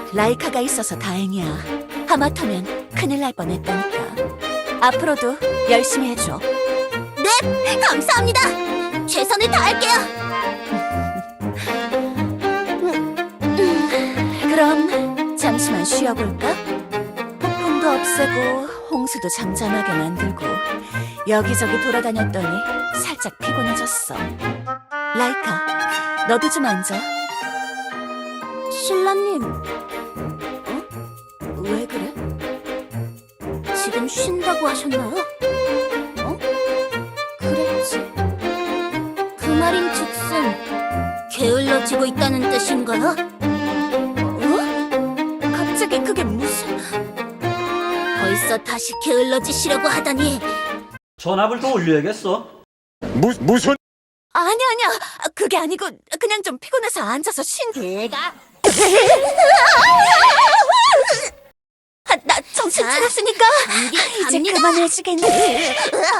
라이카가 있어서 다행이야. 하마터면 큰일 날 뻔했다니까. 앞으로도 열심히 해줘. 네, 감사합니다. 최선을 다할게요. 그럼 잠시만 쉬어볼까? 폭풍도 없애고 홍수도 잠잠하게 만들고 여기저기 돌아다녔더니 살짝 피곤해졌어. 라이카, 너도 좀 앉아. 신라님, 왜 그래? 지금 쉰다고 하셨나요? 그랬지. 그 말인 즉슨 게을러지고 있다는 뜻인가요? 갑자기 그게 무슨... 벌써 다시 게을러지시려고 하다니. 전압을 더 올려야겠어. 무슨 아니야. 그게 아니고 그냥 좀 피곤해서 앉아서 내가 나 정신 자, 차렸으니까 감기 이제 갑니다. 그만해주겠네.